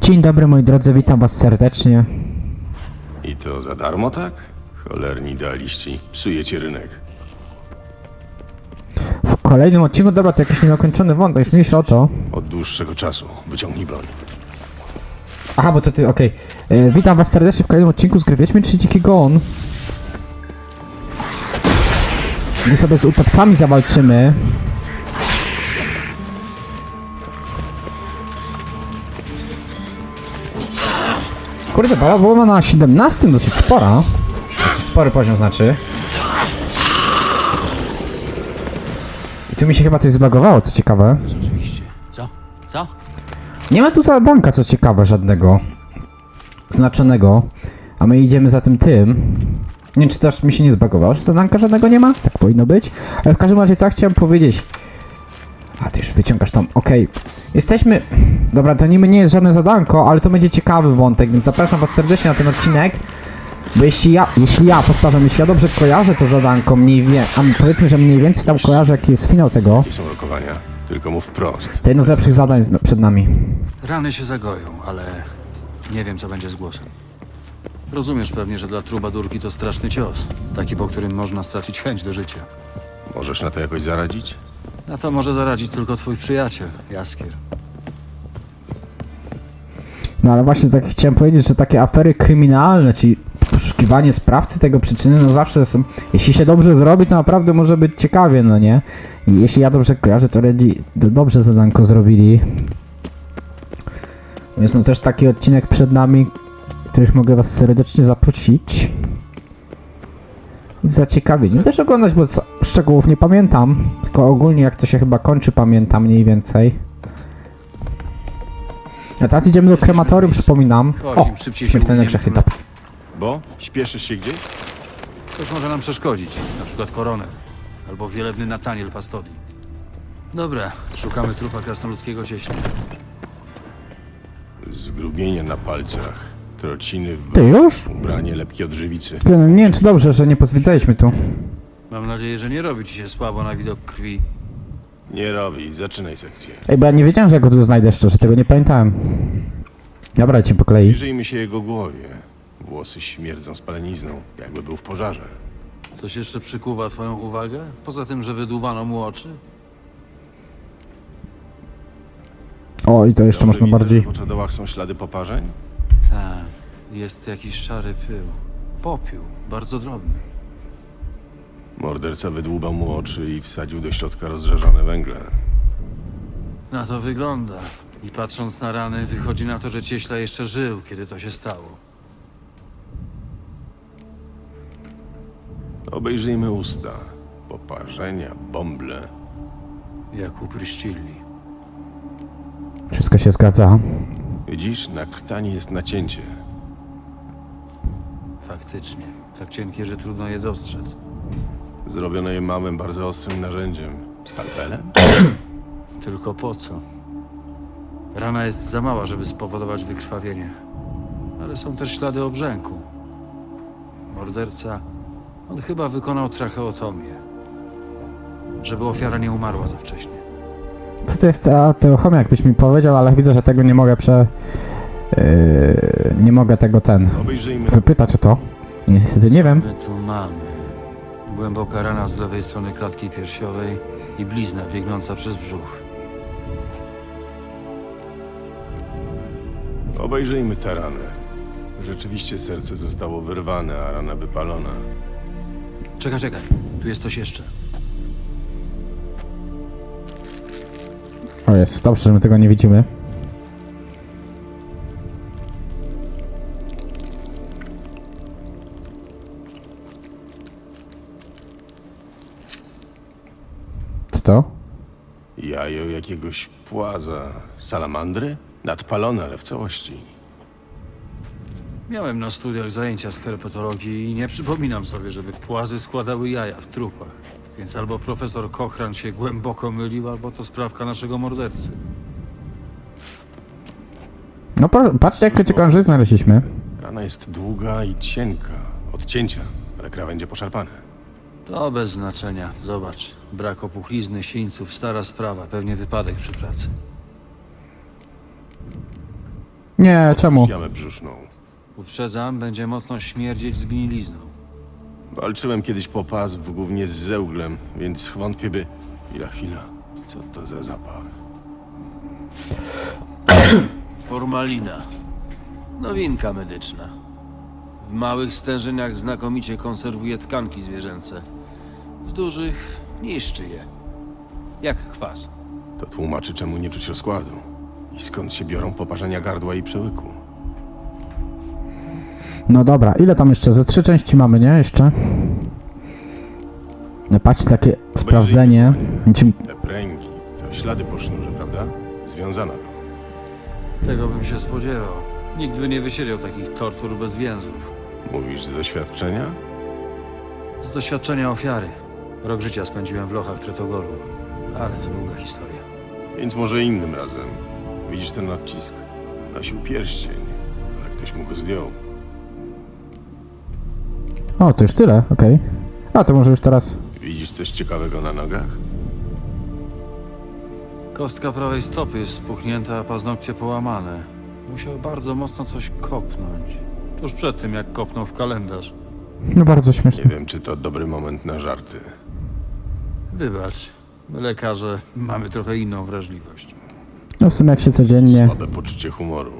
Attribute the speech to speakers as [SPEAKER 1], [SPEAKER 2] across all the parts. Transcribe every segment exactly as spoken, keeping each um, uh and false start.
[SPEAKER 1] Dzień dobry moi drodzy, witam was serdecznie.
[SPEAKER 2] I to za darmo, tak? Cholerni idealiści, psujecie rynek.
[SPEAKER 1] W kolejnym odcinku, dobra, to jakiś niedokończony wątek, mniejsza o to.
[SPEAKER 2] Od dłuższego czasu. Wyciągnij broń.
[SPEAKER 1] Aha, bo to ty, okej. Okay. Witam was serdecznie w kolejnym odcinku z gry Wiedźmin trzy Dziki Gon. Gdy sobie z utopcami zawalczymy. Kurde, bala była na siedemnastym, dosyć spora. Dosyć spory poziom znaczy. I tu mi się chyba coś zbagowało, co ciekawe.
[SPEAKER 3] Rzeczywiście. Co? Co?
[SPEAKER 1] Nie ma tu zadanka, co ciekawe, żadnego znaczonego. A my idziemy za tym tym. Nie wiem, czy też mi się nie zbagowało, że zadanka żadnego nie ma? Tak powinno być. Ale w każdym razie, co chciałem powiedzieć. A, ty już wyciągasz tam, okej. Okay. Jesteśmy... Dobra, to niby nie jest żadne zadanko, ale to będzie ciekawy wątek, więc zapraszam was serdecznie na ten odcinek. Bo jeśli ja, jeśli ja, powtarzam, jeśli ja dobrze kojarzę to zadanko, mniej więcej, a powiedzmy, że mniej więcej tam kojarzę, jaki jest finał tego,
[SPEAKER 2] Jakie są rokowania? Tylko mów wprost.
[SPEAKER 1] to jedno z lepszych zadań no, przed nami.
[SPEAKER 3] Rany się zagoją, ale nie wiem, co będzie z głosem. Rozumiesz pewnie, że dla trubadurki to straszny cios. Taki, po którym można stracić chęć do życia.
[SPEAKER 2] Możesz na to jakoś zaradzić?
[SPEAKER 3] Na to może zaradzić tylko twój przyjaciel, Jaskier.
[SPEAKER 1] No ale właśnie tak chciałem powiedzieć, że takie afery kryminalne, czyli poszukiwanie sprawcy tego przyczyny, no zawsze są, jeśli się dobrze zrobi, to naprawdę może być ciekawie, no nie? I jeśli ja dobrze kojarzę, to Redzi dobrze zadanko zrobili. Jest no też taki odcinek przed nami, których mogę was serdecznie zaprosić. I zaciekawienie też oglądać, bo co, szczegółów nie pamiętam, tylko ogólnie jak to się chyba kończy pamiętam mniej więcej. A teraz idziemy do krematorium, przypominam.
[SPEAKER 3] Chodź,
[SPEAKER 1] O,
[SPEAKER 3] im szybciej się
[SPEAKER 1] śmiertelne
[SPEAKER 3] uwiniemy,
[SPEAKER 1] grzechy,
[SPEAKER 3] tym
[SPEAKER 1] top.
[SPEAKER 2] Bo? Śpieszysz się gdzieś?
[SPEAKER 3] Ktoś może nam przeszkodzić, na przykład koroner. Albo wielebny Nataniel Pastodi. Dobra, szukamy trupa krasnoludzkiego cieśla.
[SPEAKER 2] Zgrubienie na palcach, trociny w
[SPEAKER 1] Ty
[SPEAKER 2] brzuchu,
[SPEAKER 1] już?
[SPEAKER 2] ubranie lepkie od żywicy.
[SPEAKER 1] Ty, no nie wiem czy dobrze, że nie pozwiedzaliśmy tu.
[SPEAKER 3] Mam nadzieję, że nie robi ci się słabo na widok krwi.
[SPEAKER 2] Nie robi, zaczynaj sekcję.
[SPEAKER 1] Ej, bo ja nie wiedziałem, że ja go tu znajdę szczerze, tego nie pamiętałem. Dobra, lecimy po kolei.
[SPEAKER 2] Przyjrzyjmy się jego głowie. Włosy śmierdzą spalenizną, jakby był w pożarze.
[SPEAKER 3] Coś jeszcze przykuwa twoją uwagę? Poza tym, że wydłubano mu oczy?
[SPEAKER 1] O, i to jeszcze
[SPEAKER 2] Dobrze
[SPEAKER 1] można
[SPEAKER 2] widzę,
[SPEAKER 1] bardziej...
[SPEAKER 2] że w oczodołach są ślady poparzeń?
[SPEAKER 3] Tak, jest jakiś szary pył. Popiół, bardzo drobny.
[SPEAKER 2] Morderca wydłubał mu oczy i wsadził do środka rozżarzone węgle.
[SPEAKER 3] Na to wygląda. I patrząc na rany, wychodzi na to, że cieśla jeszcze żył, kiedy to się stało.
[SPEAKER 2] Obejrzyjmy usta. Poparzenia, bąble.
[SPEAKER 3] Jak u Pryszcilli.
[SPEAKER 1] Wszystko się zgadza.
[SPEAKER 2] Widzisz, na krtani jest nacięcie.
[SPEAKER 3] Faktycznie. Tak cienkie, że trudno je dostrzec.
[SPEAKER 2] Zrobione je małym, bardzo ostrym narzędziem. Skalpelem?
[SPEAKER 3] Tylko po co? Rana jest za mała, żeby spowodować wykrwawienie. Ale są też ślady obrzęku. Morderca... On chyba wykonał tracheotomię. Żeby ofiara nie umarła za wcześnie.
[SPEAKER 1] Co to jest ta teochomia, jakbyś mi powiedział, ale widzę, że tego nie mogę prze... Yy, nie mogę tego ten...
[SPEAKER 2] Obejrzyjmy.
[SPEAKER 1] wypytać o to. Niestety nie wiem.
[SPEAKER 3] My tu mamy. Głęboka rana z lewej strony klatki piersiowej i blizna biegnąca przez brzuch.
[SPEAKER 2] Obejrzyjmy tę ranę. Rzeczywiście serce zostało wyrwane, a rana wypalona.
[SPEAKER 3] Czekaj, czekaj. Tu jest coś jeszcze.
[SPEAKER 1] O jest, dobrze, że my tego nie widzimy. Co to?
[SPEAKER 2] Jajo jakiegoś płaza. Salamandry? Nadpalone, ale w całości.
[SPEAKER 3] Miałem na studiach zajęcia z herpetologii i nie przypominam sobie, żeby płazy składały jaja w trupach. Więc albo profesor Kochran się głęboko mylił, albo to sprawka naszego mordercy.
[SPEAKER 1] No po- patrzcie, jak ciekawe znaleźliśmy.
[SPEAKER 2] Rana jest długa i cienka. Od cięcia, ale krawędzie poszarpane.
[SPEAKER 3] To bez znaczenia. Zobacz. Brak opuchlizny, sińców, stara sprawa. Pewnie wypadek przy pracy.
[SPEAKER 1] Nie, czemu?
[SPEAKER 2] Otwórz jamę brzuszną.
[SPEAKER 3] Uprzedzam, będzie mocno śmierdzieć zgnilizną.
[SPEAKER 2] Walczyłem kiedyś po pas w głównie z zełglem, więc wątpię by... Chwila, chwila. Co to za zapach?
[SPEAKER 4] Formalina. Nowinka medyczna. W małych stężeniach znakomicie konserwuje tkanki zwierzęce. W dużych niszczy je. Jak kwas.
[SPEAKER 2] To tłumaczy, czemu nie czuć rozkładu. I skąd się biorą poparzenia gardła i przełyku.
[SPEAKER 1] No dobra, ile tam jeszcze? Ze trzy części mamy, nie? Jeszcze? No patrz, takie sprawdzenie. Niczym-
[SPEAKER 2] Te pręgi to ślady po sznurze, prawda? Związana była.
[SPEAKER 3] Tego bym się spodziewał. Nikt by nie wysiedział takich tortur bez więzów.
[SPEAKER 2] Mówisz z doświadczenia?
[SPEAKER 3] Z doświadczenia ofiary. Rok życia spędziłem w lochach Tretogoru. Ale to długa historia.
[SPEAKER 2] Więc może innym razem. Widzisz ten odcisk? Nosił pierścień, ale ktoś mu go zdjął.
[SPEAKER 1] O, to już tyle, okej. A, to może już teraz...
[SPEAKER 2] Widzisz coś ciekawego na nogach?
[SPEAKER 3] Kostka prawej stopy jest spuchnięta, a paznokcie połamane. Musiał bardzo mocno coś kopnąć. Tuż przed tym, jak kopnął w kalendarz.
[SPEAKER 1] No bardzo
[SPEAKER 2] Nie
[SPEAKER 1] śmieszne.
[SPEAKER 2] wiem, czy to dobry moment na żarty.
[SPEAKER 3] Wybacz, my lekarze mamy trochę inną wrażliwość.
[SPEAKER 1] No w sumie jak się codziennie...
[SPEAKER 2] Słabe poczucie humoru.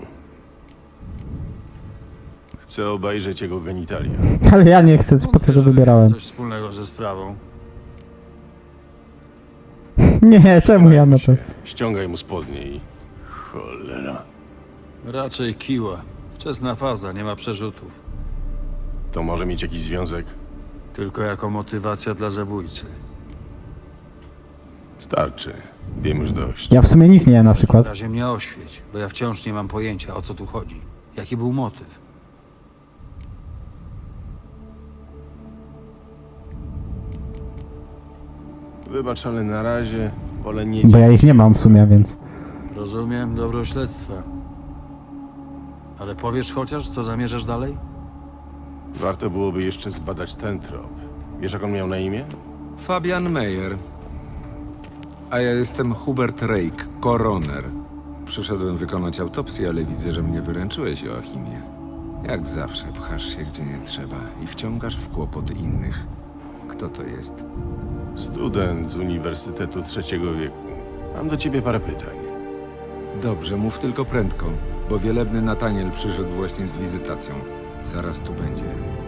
[SPEAKER 2] Chcę obejrzeć jego genitalia.
[SPEAKER 1] Ale ja nie chcę, po co
[SPEAKER 3] Wątpię,
[SPEAKER 1] to
[SPEAKER 3] żeby
[SPEAKER 1] wybierałem?
[SPEAKER 3] miał coś wspólnego ze sprawą.
[SPEAKER 1] Nie, czemu ja na to?
[SPEAKER 2] Się. Ściągaj mu spodnie i... Cholera.
[SPEAKER 3] Raczej kiła. Wczesna faza, nie ma przerzutów.
[SPEAKER 2] To może mieć jakiś związek?
[SPEAKER 3] Tylko jako motywacja dla zabójcy.
[SPEAKER 2] Starczy. Wiem już dość.
[SPEAKER 1] Ja w sumie nic nie jem na
[SPEAKER 3] W
[SPEAKER 1] przykład.
[SPEAKER 3] razie mnie oświeć, bo ja wciąż nie mam pojęcia, o co tu chodzi. Jaki był motyw?
[SPEAKER 2] Wybacz, ale na razie wolę nie...
[SPEAKER 1] Bo ja ich nie mam w sumie, więc...
[SPEAKER 3] Rozumiem dobro śledztwa. Ale powiesz chociaż, co zamierzasz dalej?
[SPEAKER 2] Warto byłoby jeszcze zbadać ten trop. Wiesz, jak on miał na imię?
[SPEAKER 5] Fabian Meyer. A ja jestem Hubert Rake, koroner. Przyszedłem wykonać autopsję, ale widzę, że mnie wyręczyłeś, Joachimie. Jak zawsze pchasz się gdzie nie trzeba i wciągasz w kłopoty innych. Kto to jest?
[SPEAKER 2] Student z Uniwersytetu Trzeciego Wieku. Mam do ciebie parę pytań.
[SPEAKER 5] Dobrze, mów tylko prędko, bo wielebny Nataniel przyszedł właśnie z wizytacją. Zaraz tu będzie.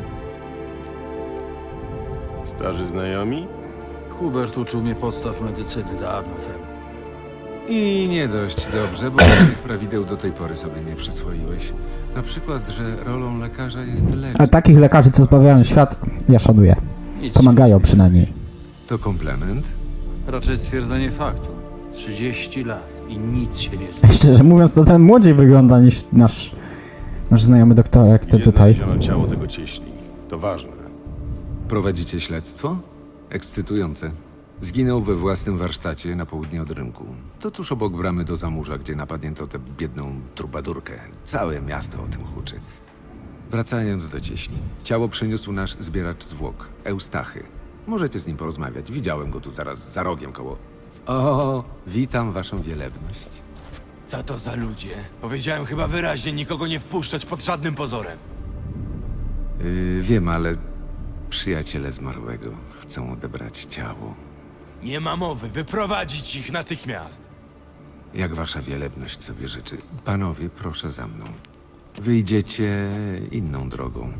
[SPEAKER 2] Starzy znajomi?
[SPEAKER 3] Hubert uczył mnie podstaw medycyny dawno temu.
[SPEAKER 5] I nie dość dobrze, bo żadnych prawideł do tej pory sobie nie przyswoiłeś. Na przykład, że rolą lekarza jest leczyć.
[SPEAKER 1] Ale takich lekarzy, co zbawiają świat, ja szanuję.
[SPEAKER 3] Nic
[SPEAKER 1] Pomagają
[SPEAKER 3] się nie
[SPEAKER 1] przynajmniej.
[SPEAKER 3] zmieniłeś.
[SPEAKER 5] To komplement?
[SPEAKER 3] Raczej stwierdzenie faktu. trzydzieści lat i nic się nie zmieni.
[SPEAKER 1] Szczerze mówiąc, to ten młodziej wygląda niż nasz... Nasz znajomy doktorek, to
[SPEAKER 2] Gdzie
[SPEAKER 1] tutaj.
[SPEAKER 2] znaleziono ciało tego cieśli? To ważne.
[SPEAKER 5] Prowadzicie śledztwo? Ekscytujące. Zginął we własnym warsztacie na południe od rynku. To tuż obok bramy do Zamurza, gdzie napadnięto tę biedną trubadurkę. Całe miasto o tym huczy. Wracając do cieśli. Ciało przyniósł nasz zbieracz zwłok, Eustachy. Możecie z nim porozmawiać. Widziałem go tu zaraz za rogiem koło... O, witam waszą wielebność.
[SPEAKER 6] Co to za ludzie? Powiedziałem chyba wyraźnie nikogo nie wpuszczać pod żadnym pozorem.
[SPEAKER 5] Yy, wiem, ale przyjaciele zmarłego chcą odebrać ciało.
[SPEAKER 6] Nie ma mowy, wyprowadzić ich natychmiast.
[SPEAKER 5] Jak wasza wielebność sobie życzy. Panowie, proszę za mną. Wyjdziecie inną drogą.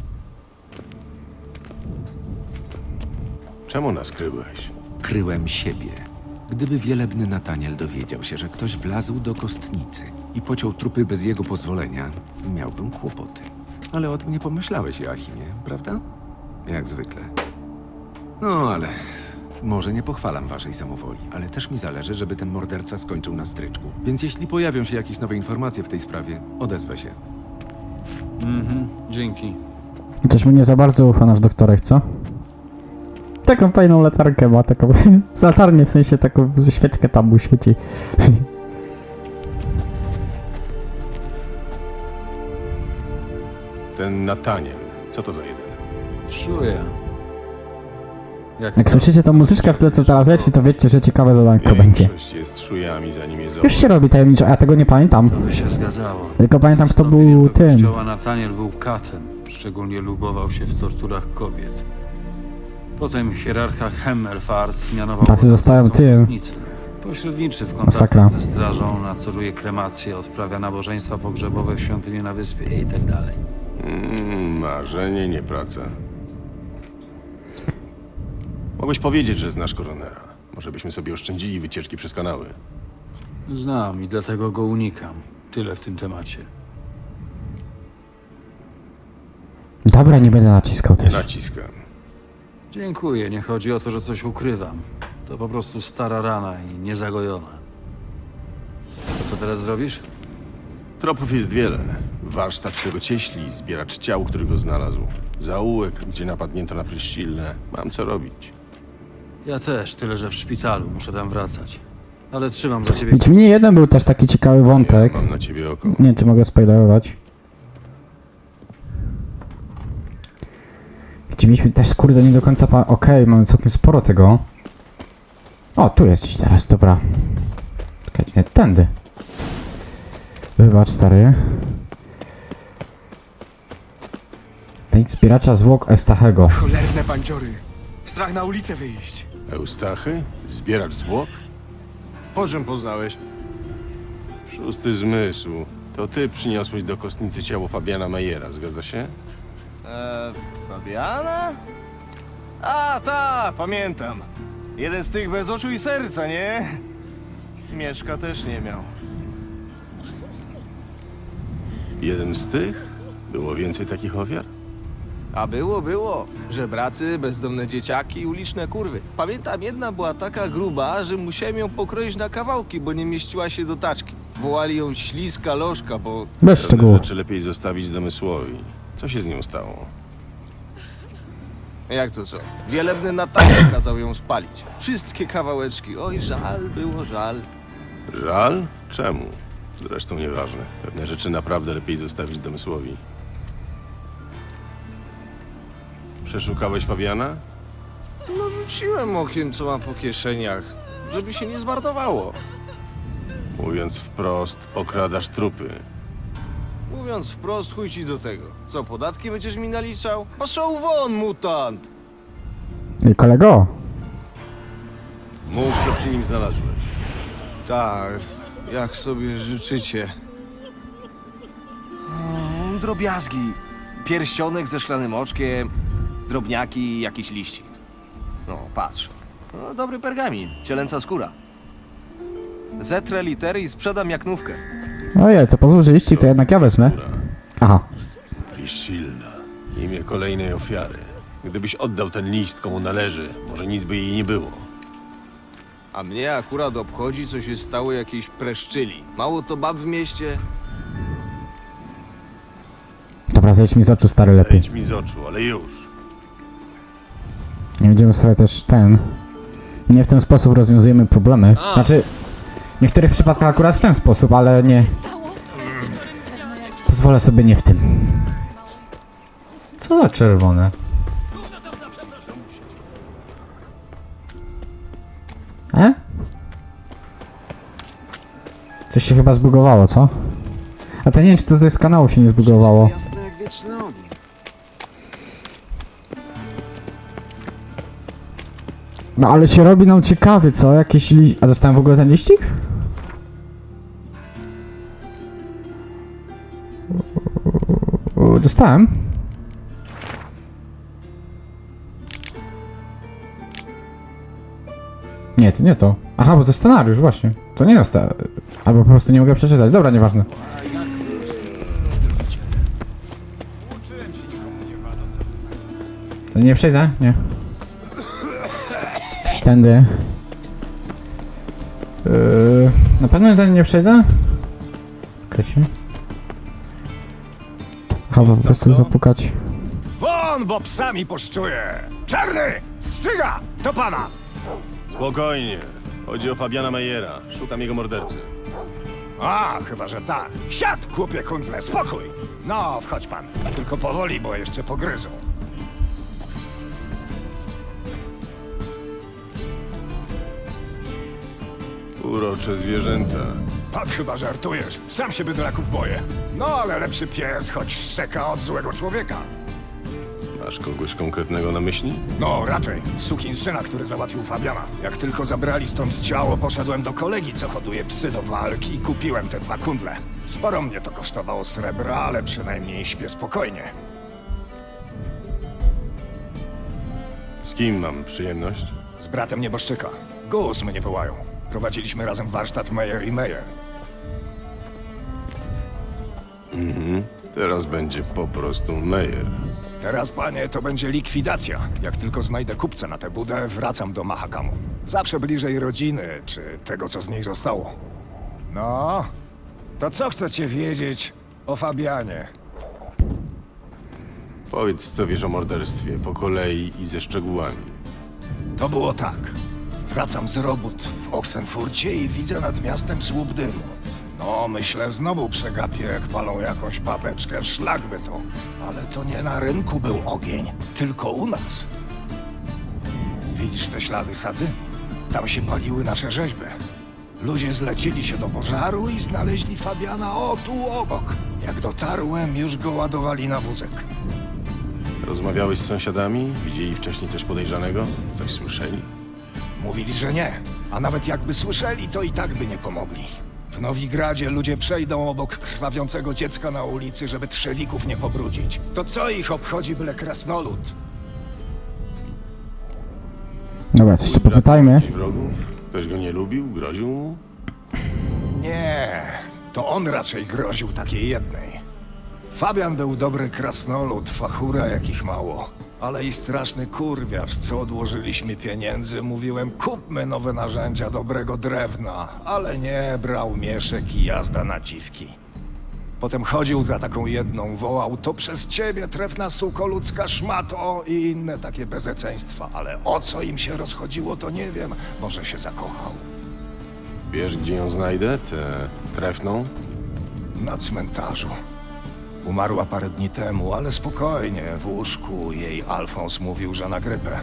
[SPEAKER 2] Czemu nas kryłeś?
[SPEAKER 5] Kryłem siebie. Gdyby wielebny Nataniel dowiedział się, że ktoś wlazł do kostnicy i pociął trupy bez jego pozwolenia, miałbym kłopoty. Ale o tym nie pomyślałeś, Joachimie, prawda? Jak zwykle. No, ale może nie pochwalam waszej samowoli, ale też mi zależy, żeby ten morderca skończył na stryczku. Więc jeśli pojawią się jakieś nowe informacje w tej sprawie, odezwę się.
[SPEAKER 3] Mhm, dzięki.
[SPEAKER 1] Coś mu nie za bardzo ufa nasz doktorek, co? Taką fajną latarkę ma, taką... latarnię, w sensie taką świeczkę tam mu świeci.
[SPEAKER 2] Ten Nataniel. Co to za jeden?
[SPEAKER 3] Czuję. Jak,
[SPEAKER 1] Jak słyszycie tą muzyczkę, w tle co teraz leci, to wiecie, że ciekawe zadanko będzie.
[SPEAKER 2] Większość jest szujami, zanim je
[SPEAKER 1] Już
[SPEAKER 2] zobaczy.
[SPEAKER 1] się robi tajemniczo, a ja tego nie pamiętam.
[SPEAKER 3] To by się zgadzało.
[SPEAKER 1] Tylko pamiętam, kto
[SPEAKER 3] Wstąpieniem
[SPEAKER 1] był
[SPEAKER 3] do
[SPEAKER 1] tym.
[SPEAKER 3] kościoła Nataniel był katem. Szczególnie lubował się w torturach kobiet. Potem hierarcha Hemmelfart mianował
[SPEAKER 1] Tacy
[SPEAKER 3] go
[SPEAKER 1] zostają
[SPEAKER 3] następcą
[SPEAKER 1] tym.
[SPEAKER 3] kostnicy. Pośredniczy w
[SPEAKER 1] Masakra.
[SPEAKER 3] kontaktach ze strażą, nadzoruje kremację, odprawia nabożeństwa pogrzebowe w świątyni na wyspie i tak dalej.
[SPEAKER 2] Mm, marzenie, nie praca. Mogłeś powiedzieć, że znasz koronera. Może byśmy sobie oszczędzili wycieczki przez kanały.
[SPEAKER 3] Znam i dlatego go unikam. Tyle w tym temacie.
[SPEAKER 1] Dobra, nie będę naciskał
[SPEAKER 2] Nie
[SPEAKER 1] też.
[SPEAKER 2] naciskam.
[SPEAKER 3] Dziękuję, nie chodzi o to, że coś ukrywam. To po prostu stara rana i niezagojona. To co teraz zrobisz?
[SPEAKER 2] Tropów jest wiele. Warsztat tego cieśli, zbieracz ciał, który go znalazł. Zaułek, gdzie napadnięto na Pryszcillę. Mam co robić.
[SPEAKER 3] Ja też, tyle że w szpitalu, muszę tam wracać. Ale trzymam za ciebie.
[SPEAKER 1] Wiecie, mnie jeden był też taki ciekawy wątek.
[SPEAKER 2] Ja mam na ciebie oko.
[SPEAKER 1] Nie wiem, czy mogę spoilerować. Gdzie mieliśmy też, kurde, nie do końca pa... Okej, mamy całkiem sporo tego. O, tu jest gdzieś teraz, dobra. Czekajcie, nie, tędy. Wybacz, stary. Znajdź zbieracza zwłok Eustachego.
[SPEAKER 6] Cholerne bandziory. Strach na ulicę wyjść.
[SPEAKER 2] Eustachy? Zbieracz zwłok? Po czym poznałeś? Szósty zmysł. To ty przyniosłeś do kostnicy ciało Fabiana Mejera, zgadza się?
[SPEAKER 7] Eee, Fabiana? A, ta, pamiętam. Jeden z tych bez oczu i serca, nie? Mieszka też nie miał.
[SPEAKER 2] Jeden z tych? Było więcej takich ofiar?
[SPEAKER 7] A było, było. Żebracy, bezdomne dzieciaki, uliczne kurwy. Pamiętam, jedna była taka gruba, że musiałem ją pokroić na kawałki, bo nie mieściła się do taczki. Wołali ją śliska lożka, bo...
[SPEAKER 1] Bez
[SPEAKER 2] Pewne
[SPEAKER 1] szczegółów.
[SPEAKER 2] rzeczy lepiej zostawić domysłowi. Co się z nią stało?
[SPEAKER 7] Jak to co? Wielebny Nataniel kazał ją spalić. Wszystkie kawałeczki. Oj, żal było, żal.
[SPEAKER 2] Żal? Czemu? Zresztą nieważne. Pewne rzeczy naprawdę lepiej zostawić domysłowi. Przeszukałeś Fabiana?
[SPEAKER 7] No rzuciłem okiem, co ma po kieszeniach, żeby się nie zmarnowało.
[SPEAKER 2] Mówiąc wprost, okradasz trupy.
[SPEAKER 7] Mówiąc wprost, chuj ci do tego. Co, podatki będziesz mi naliczał? Paszą won, mutant!
[SPEAKER 1] I kolego.
[SPEAKER 2] Mów, co przy nim znalazłeś.
[SPEAKER 7] Tak, jak sobie życzycie. O, drobiazgi. Pierścionek ze szklanym oczkiem, drobniaki i jakiś liścik. No, patrz. No, dobry pergamin, cielęca skóra. Zetrę litery i sprzedam jak nówkę.
[SPEAKER 1] Ojej, to pozwól, że liścik to jednak ja wezmę. Aha.
[SPEAKER 2] Pryszcilla. Imię kolejnej ofiary. Gdybyś oddał ten list, komu należy, może nic by jej nie było.
[SPEAKER 7] A mnie akurat obchodzi, co się stało jakiejś preszczyli. Mało to bab w mieście.
[SPEAKER 1] Dobra, zejdź mi z oczu, stary, lepiej.
[SPEAKER 2] Zejdź mi z oczu, ale już.
[SPEAKER 1] Nie będziemy sobie też ten... Nie w ten sposób rozwiązujemy problemy. Znaczy, w niektórych przypadkach akurat w ten sposób, ale nie... Pozwolę sobie nie w tym. Co za czerwone? E? Coś się chyba zbugowało, co? A to nie wiem, czy to z kanału się nie zbugowało.
[SPEAKER 5] Jasne jak wieczny ogień.
[SPEAKER 1] No ale się robi nam ciekawie, co? Jakieś li... A dostałem w ogóle ten liścik? Dostałem. Nie, to nie to. Aha, bo to scenariusz, właśnie. To nie dostałem. Albo po prostu nie mogę przeczytać. Dobra, nieważne. To nie przejdę? Nie. Tędy. Yy, na pewno ten nie przejdę? Czekajcie. Chyba po prostu zapukać.
[SPEAKER 6] Won, bo psami poszczuję! Czarny! Strzyga! To pana!
[SPEAKER 2] Spokojnie. Chodzi o Fabiana Mejera. Szukam jego mordercy.
[SPEAKER 6] A, chyba, że tak. Siad, kupie kundle, spokój! No, wchodź pan. Tylko powoli, bo jeszcze pogryzą.
[SPEAKER 2] Urocze zwierzęta.
[SPEAKER 6] Pan chyba żartujesz. Sam się bydlaków boję. No ale lepszy pies, choć szczeka od złego człowieka.
[SPEAKER 2] Masz kogoś konkretnego na myśli?
[SPEAKER 6] No, raczej. Sukinsyna, który załatwił Fabiana. Jak tylko zabrali stąd ciało, poszedłem do kolegi, co hoduje psy do walki i kupiłem te dwa kundle. Sporo mnie to kosztowało srebra, ale przynajmniej śpię spokojnie.
[SPEAKER 2] Z kim mam przyjemność?
[SPEAKER 6] Z bratem nieboszczyka. Gus mnie wołają. Prowadziliśmy razem warsztat Meyer i Meyer.
[SPEAKER 2] Teraz będzie po prostu Meyer.
[SPEAKER 6] Teraz, panie, to będzie likwidacja. Jak tylko znajdę kupca na tę budę, wracam do Mahakamu. Zawsze bliżej rodziny, czy tego, co z niej zostało. No, to co chcecie wiedzieć o Fabianie?
[SPEAKER 2] Powiedz, co wiesz o morderstwie, po kolei i ze szczegółami.
[SPEAKER 6] To było tak. Wracam z robót w Oxenfurcie i widzę nad miastem słup dymu. No, myślę, znowu przegapię, jak palą jakąś babeczkę, szlak by to. Ale to nie na rynku był ogień, tylko u nas. Widzisz te ślady sadzy? Tam się paliły nasze rzeźby. Ludzie zlecili się do pożaru i znaleźli Fabiana o tu obok. Jak dotarłem, już go ładowali na wózek.
[SPEAKER 2] Rozmawiałeś z sąsiadami? Widzieli wcześniej coś podejrzanego? Coś słyszeli?
[SPEAKER 6] Mówili, że nie. A nawet jakby słyszeli, to i tak by nie pomogli. W Nowigradzie ludzie przejdą obok krwawiącego dziecka na ulicy, żeby trzewików nie pobrudzić. To co ich obchodzi byle krasnolud?
[SPEAKER 1] Dobra, coś tu
[SPEAKER 2] Twój brat
[SPEAKER 1] popytajmy.
[SPEAKER 2] miał gdzieś wrogów? Ktoś go nie lubił? Groził mu?
[SPEAKER 6] Nie, to on raczej groził takiej jednej. Fabian był dobry krasnolud, fachura jakich mało. Ale i straszny kurwiarz, co odłożyliśmy pieniędzy, mówiłem, kupmy nowe narzędzia dobrego drewna, ale nie, brał mieszek i jazda na dziwki. Potem chodził za taką jedną, wołał, to przez ciebie trefna suko ludzka szmato i inne takie bezeceństwa, ale o co im się rozchodziło, to nie wiem, może się zakochał.
[SPEAKER 2] Wiesz, gdzie ją znajdę? Tę trefną?
[SPEAKER 6] Na cmentarzu. Umarła parę dni temu, ale spokojnie, w łóżku jej Alfons mówił, że na grypę.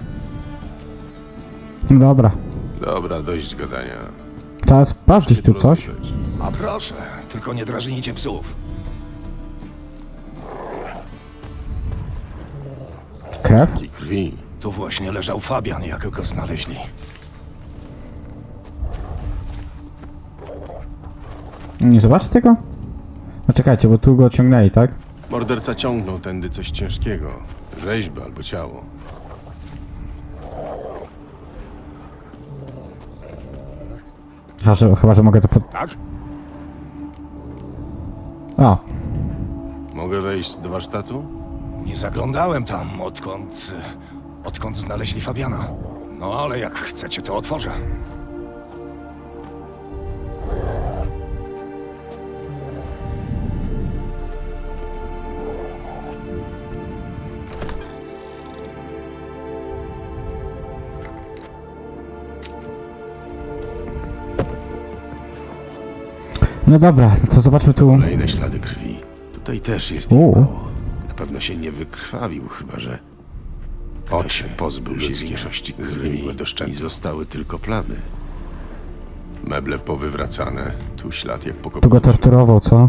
[SPEAKER 1] No dobra.
[SPEAKER 2] Dobra, dość gadania.
[SPEAKER 1] Teraz sprawdzić tu coś.
[SPEAKER 2] Rozejrzeć.
[SPEAKER 6] A proszę, tylko nie drażnijcie psów.
[SPEAKER 1] Krew?
[SPEAKER 2] I krwi.
[SPEAKER 6] Tu właśnie leżał Fabian, jak go znaleźli.
[SPEAKER 1] Nie zobaczę tego? No czekajcie, bo tu go ciągnęli, tak?
[SPEAKER 2] Morderca ciągnął tędy coś ciężkiego. Rzeźbę albo ciało.
[SPEAKER 1] Chyba, że, chyba, że mogę to pod...
[SPEAKER 6] Tak?
[SPEAKER 1] O,
[SPEAKER 2] Mogę wejść do warsztatu?
[SPEAKER 6] Nie zaglądałem tam, odkąd... odkąd znaleźli Fabiana. No ale jak chcecie, to otworzę.
[SPEAKER 1] no dobra, to zobaczmy tu.
[SPEAKER 2] Kolejne ślady krwi. Tutaj też jest ich
[SPEAKER 1] U.
[SPEAKER 2] mało. Na pewno się nie wykrwawił, chyba że ktoś pozbył się większości krwi i zostały tylko plamy. Meble powywracane. Tu ślad jak po
[SPEAKER 1] Tu go
[SPEAKER 2] kopnięciu.
[SPEAKER 1] torturował, co?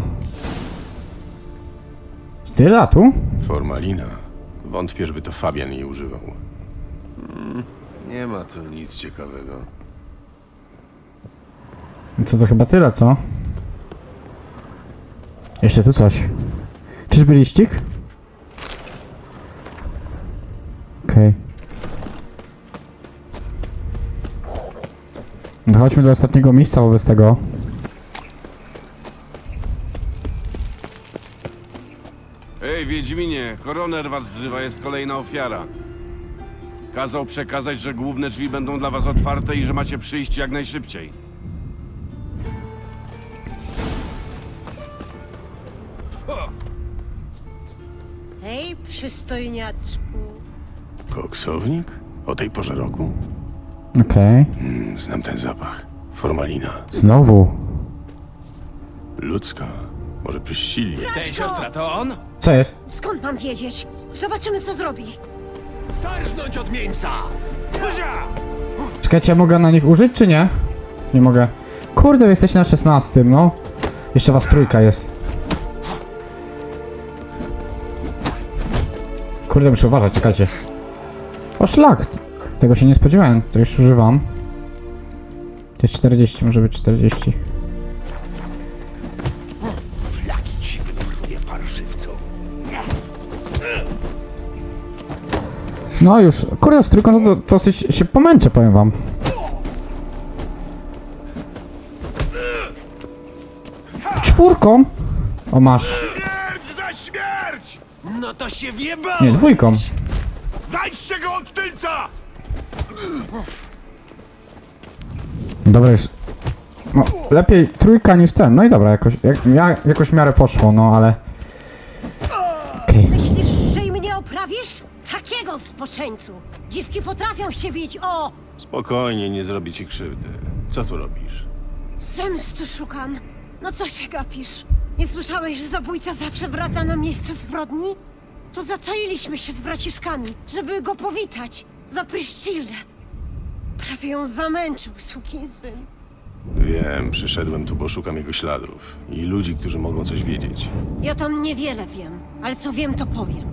[SPEAKER 1] Tyle tu?
[SPEAKER 2] Formalina. Wątpię, żeby to Fabian jej używał. Hmm, nie ma tu nic ciekawego.
[SPEAKER 1] Co to chyba tyle, co? Jeszcze tu coś. Czyżby liścik? Okej. Dochodźmy do ostatniego miejsca wobec tego.
[SPEAKER 8] Ej, Wiedźminie, koroner was wzywa, jest kolejna ofiara. Kazał przekazać, że główne drzwi będą dla was otwarte i że macie przyjść jak najszybciej.
[SPEAKER 9] Hej, przystojniaczku.
[SPEAKER 2] Koksownik? O tej porze roku?
[SPEAKER 1] Okej.
[SPEAKER 2] Hmm, znam ten zapach. Formalina.
[SPEAKER 1] Znowu.
[SPEAKER 2] Ludzka. Może pryszcili.
[SPEAKER 9] Ej, siostra,
[SPEAKER 6] To on?
[SPEAKER 1] Co jest?
[SPEAKER 9] skąd mam wiedzieć? Zobaczymy, co zrobi.
[SPEAKER 6] Zarżnąć od mięsa!
[SPEAKER 1] Czekajcie, ja mogę na nich użyć, czy nie? Nie mogę. kurde, wy jesteście na szesnastym, no. Jeszcze was trójka jest. Kurde, muszę uważać, czekajcie. O szlak! Tego się nie spodziewałem, to już używam. To jest czterdzieści, może być czterdzieści.
[SPEAKER 6] Flaki ci wypruje, parszywcu.
[SPEAKER 1] No już, kurde, z trójką to, to dosyć się pomęczę, powiem wam. Czwórką? O, masz.
[SPEAKER 6] Śmierć za śmierć!
[SPEAKER 4] No to się wjeba!
[SPEAKER 1] Nie, dwójką.
[SPEAKER 6] Zajdźcie go od tylca!
[SPEAKER 1] Dobra, już. No, lepiej trójka niż ten. No i dobra, jakoś, jak, ja, jakoś w miarę poszło, no ale... Okej.
[SPEAKER 9] Myślisz, że i mnie oprawisz? Takiego spoczęcu! Dziwki potrafią się bić, o!
[SPEAKER 2] Spokojnie, nie zrobi ci krzywdy. Co tu robisz?
[SPEAKER 9] Zemsty szukam. No co się gapisz? Nie słyszałeś, że zabójca zawsze wraca na miejsce zbrodni? To zaczailiśmy się z braciszkami, żeby go powitać. Za Pryszcillę. Prawie ją zamęczył, sukinsyn.
[SPEAKER 2] Wiem, przyszedłem tu, bo szukam jego śladów i ludzi, którzy mogą coś wiedzieć.
[SPEAKER 9] Ja tam niewiele wiem, ale co wiem, to powiem.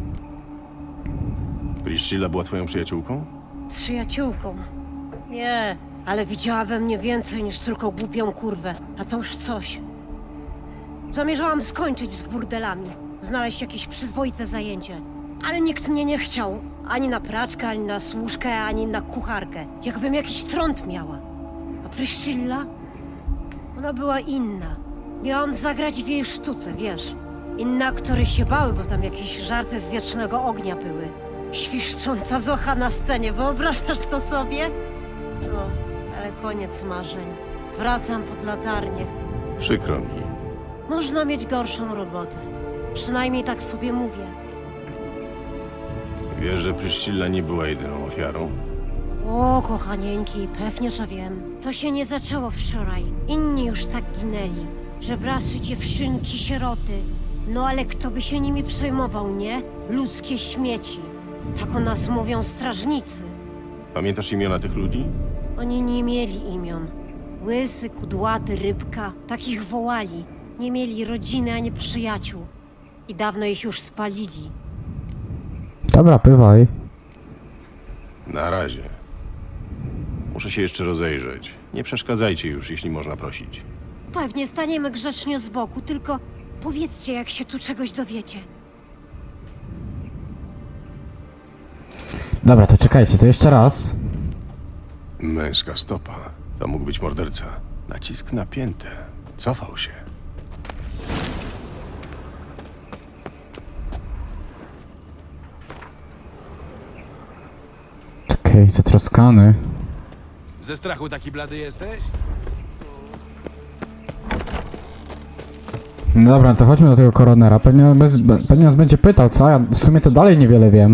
[SPEAKER 2] Priscilla była twoją przyjaciółką?
[SPEAKER 9] Przyjaciółką. Nie, ale widziała we mnie więcej niż tylko głupią kurwę, a to już coś. Zamierzałam skończyć z burdelami, znaleźć jakieś przyzwoite zajęcie. Ale nikt mnie nie chciał. Ani na praczkę, ani na służkę, ani na kucharkę. Jakbym jakiś trąd miała. A Pryszcilla? Ona była inna. Miałam zagrać w jej sztuce, wiesz. Inne aktory się bały, bo tam jakieś żarty z wiecznego ognia były. Świszcząca Zocha na scenie, wyobrażasz to sobie? No, ale koniec marzeń. Wracam pod latarnię.
[SPEAKER 2] Przykro mi.
[SPEAKER 9] Można mieć gorszą robotę. Przynajmniej tak sobie mówię.
[SPEAKER 2] Wiesz, że Priscilla nie była jedyną ofiarą?
[SPEAKER 9] O, kochanieńki, pewnie, że wiem. To się nie zaczęło wczoraj. Inni już tak ginęli. Żebrasy, dziewczynki, sieroty. No ale kto by się nimi przejmował, nie? Ludzkie śmieci. Tak o nas mówią strażnicy.
[SPEAKER 2] Pamiętasz imiona tych ludzi?
[SPEAKER 9] Oni nie mieli imion. Łysy, kudłaty, rybka. Takich wołali. Nie mieli rodziny ani przyjaciół. I dawno ich już spalili.
[SPEAKER 1] Dobra, bywaj.
[SPEAKER 2] Na razie. Muszę się jeszcze rozejrzeć. Nie przeszkadzajcie już, jeśli można prosić.
[SPEAKER 9] Pewnie staniemy grzecznie z boku, tylko powiedzcie, jak się tu czegoś dowiecie.
[SPEAKER 1] Dobra, to czekajcie, to jeszcze raz.
[SPEAKER 2] Męska stopa. To mógł być morderca. Nacisk napięty. Cofał się.
[SPEAKER 1] Okej, zatroskany.
[SPEAKER 5] Ze strachu taki blady jesteś?
[SPEAKER 1] No dobra, to chodźmy do tego koronera. Pewnie, bez, pewnie nas będzie pytał, co? Ja w sumie to dalej niewiele wiem.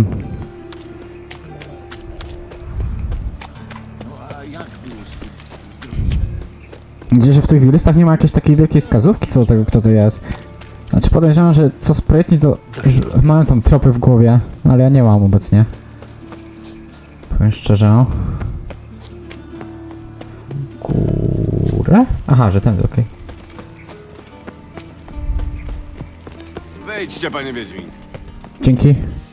[SPEAKER 1] Gdzieś w tych listach nie ma jakiejś takiej wielkiej wskazówki co do tego, kto to jest. Znaczy podejrzewam, że co sprytni to już mają tam tropy w głowie, no ale ja nie mam obecnie. Powiem szczerze. Górę? Aha, że ten, okej.
[SPEAKER 8] Wejdźcie, panie Wiedźmin.
[SPEAKER 1] Dzięki.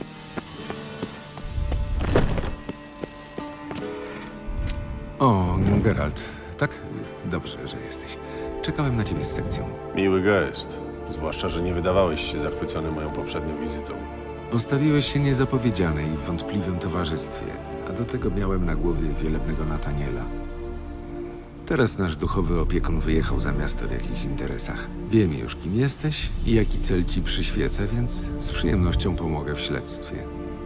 [SPEAKER 5] O, Geralt. Tak? Dobrze, że jesteś. Czekałem na ciebie z sekcją.
[SPEAKER 2] Miły gest. Zwłaszcza, że nie wydawałeś się zachwycony moją poprzednią wizytą.
[SPEAKER 5] Postawiłeś się niezapowiedzianej w wątpliwym towarzystwie, a do tego miałem na głowie wielebnego Nataniela. Teraz nasz duchowy opiekun wyjechał za miasto w jakichś interesach. Wiem już, kim jesteś i jaki cel ci przyświeca, więc z przyjemnością pomogę w śledztwie.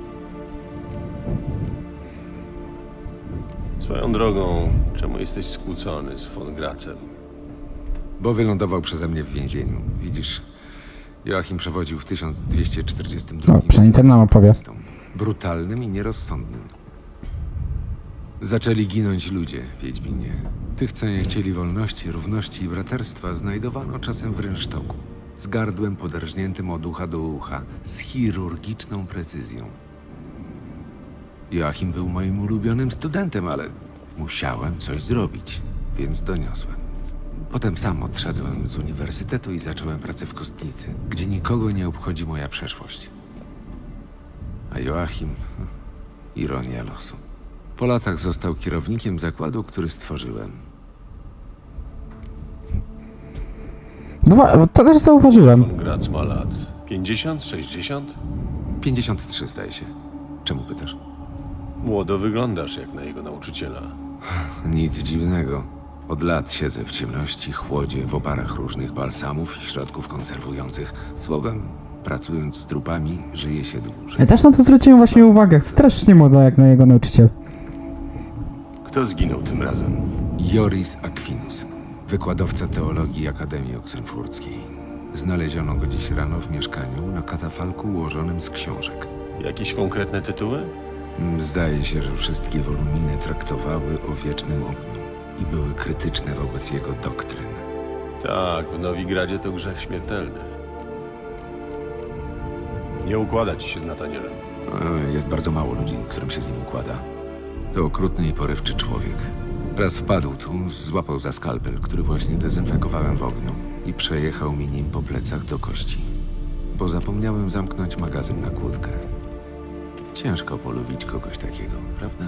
[SPEAKER 2] Swoją drogą, czemu jesteś skłócony z von Gracem?
[SPEAKER 5] Bo wylądował przeze mnie w więzieniu. Widzisz, Joachim przewodził w tysiąc dwieście czterdziestym drugim.
[SPEAKER 1] O, przynajmniej ten nam opowie.
[SPEAKER 5] Brutalnym i nierozsądnym. Zaczęli ginąć ludzie, Wiedźminie. Tych, co nie chcieli wolności, równości i braterstwa, znajdowano czasem w rynsztoku. Z gardłem poderżniętym od ucha do ucha, z chirurgiczną precyzją. Joachim był moim ulubionym studentem, ale musiałem coś zrobić, więc doniosłem. Potem sam odszedłem z uniwersytetu i zacząłem pracę w kostnicy, gdzie nikogo nie obchodzi moja przeszłość. A Joachim... ironia losu. Po latach został kierownikiem zakładu, który stworzyłem.
[SPEAKER 1] No wa- to też zauważyłem.
[SPEAKER 2] Von Graz ma lat pięćdziesiąt, sześćdziesiąt?
[SPEAKER 5] pięćdziesiąt trzy zdaje się. Czemu pytasz?
[SPEAKER 2] Młodo wyglądasz jak na jego nauczyciela.
[SPEAKER 5] Nic dziwnego. Od lat siedzę w ciemności, chłodzie, w oparach różnych balsamów i środków konserwujących. Słowem, pracując z trupami, żyje się dłużej.
[SPEAKER 1] Ja też na to zwróciłem właśnie uwagę. Strasznie młoda jak na jego nauczyciel.
[SPEAKER 2] Kto zginął tym razem?
[SPEAKER 5] Joris Aquinus, wykładowca teologii Akademii Oksenfurckiej. Znaleziono go dziś rano w mieszkaniu na katafalku ułożonym z książek.
[SPEAKER 2] Jakieś konkretne tytuły?
[SPEAKER 5] Mm, Zdaje się, że wszystkie woluminy traktowały o wiecznym ogniu i były krytyczne wobec jego doktryn.
[SPEAKER 2] Tak, w Nowigradzie to grzech śmiertelny. Nie układa ci się z Natanielem.
[SPEAKER 5] E, Jest bardzo mało ludzi, którym się z nim układa. To okrutny i porywczy człowiek. Raz wpadł tu, złapał za skalpel, który właśnie dezynfekowałem w ogniu i przejechał mi nim po plecach do kości. Bo zapomniałem zamknąć magazyn na kłódkę. Ciężko polubić kogoś takiego, prawda?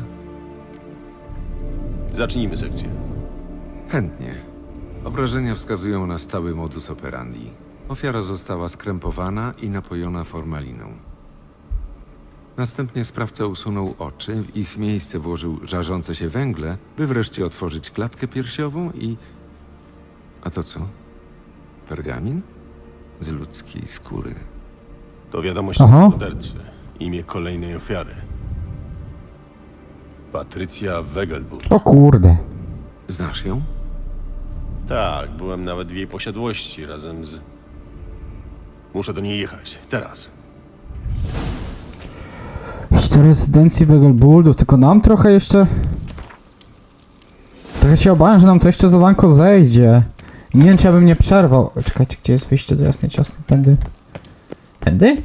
[SPEAKER 2] Zacznijmy sekcję.
[SPEAKER 5] Chętnie. Obrażenia wskazują na stały modus operandi. Ofiara została skrępowana i napojona formaliną. Następnie sprawca usunął oczy, w ich miejsce włożył żarzące się węgle, by wreszcie otworzyć klatkę piersiową i... A to co? Pergamin? Z ludzkiej skóry.
[SPEAKER 2] To wiadomość
[SPEAKER 1] Aha.
[SPEAKER 2] od mordercy. Imię kolejnej ofiary. Patrycja Wegelbud.
[SPEAKER 1] O kurde.
[SPEAKER 5] Znasz ją?
[SPEAKER 2] Tak, byłem nawet w jej posiadłości razem z... Muszę do niej jechać. Teraz.
[SPEAKER 1] Do rezydencji Wegelbuldów, tylko nam trochę jeszcze... Trochę się obawiam, że nam to jeszcze zadanko zejdzie. I nie wiem, czy ja bym nie przerwał. O, czekajcie, gdzie jest wyjście do Jasnej Ciasnej? Tędy? Tędy?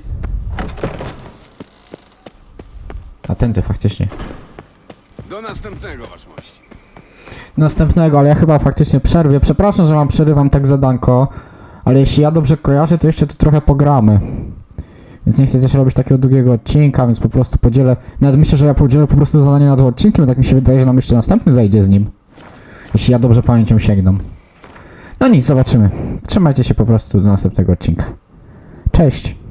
[SPEAKER 1] A tędy faktycznie.
[SPEAKER 8] Do następnego, waszmości.
[SPEAKER 1] Następnego, ale ja chyba faktycznie przerwię. Przepraszam, że wam przerywam tak zadanko, ale jeśli ja dobrze kojarzę, to jeszcze tu trochę pogramy. Więc nie chcę też robić takiego długiego odcinka, więc po prostu podzielę... Nawet myślę, że ja podzielę po prostu zadanie na dwa odcinki, bo tak mi się wydaje, że nam jeszcze następny zajdzie z nim. Jeśli ja dobrze pamięcią sięgną. No nic, zobaczymy. Trzymajcie się po prostu do następnego odcinka. Cześć!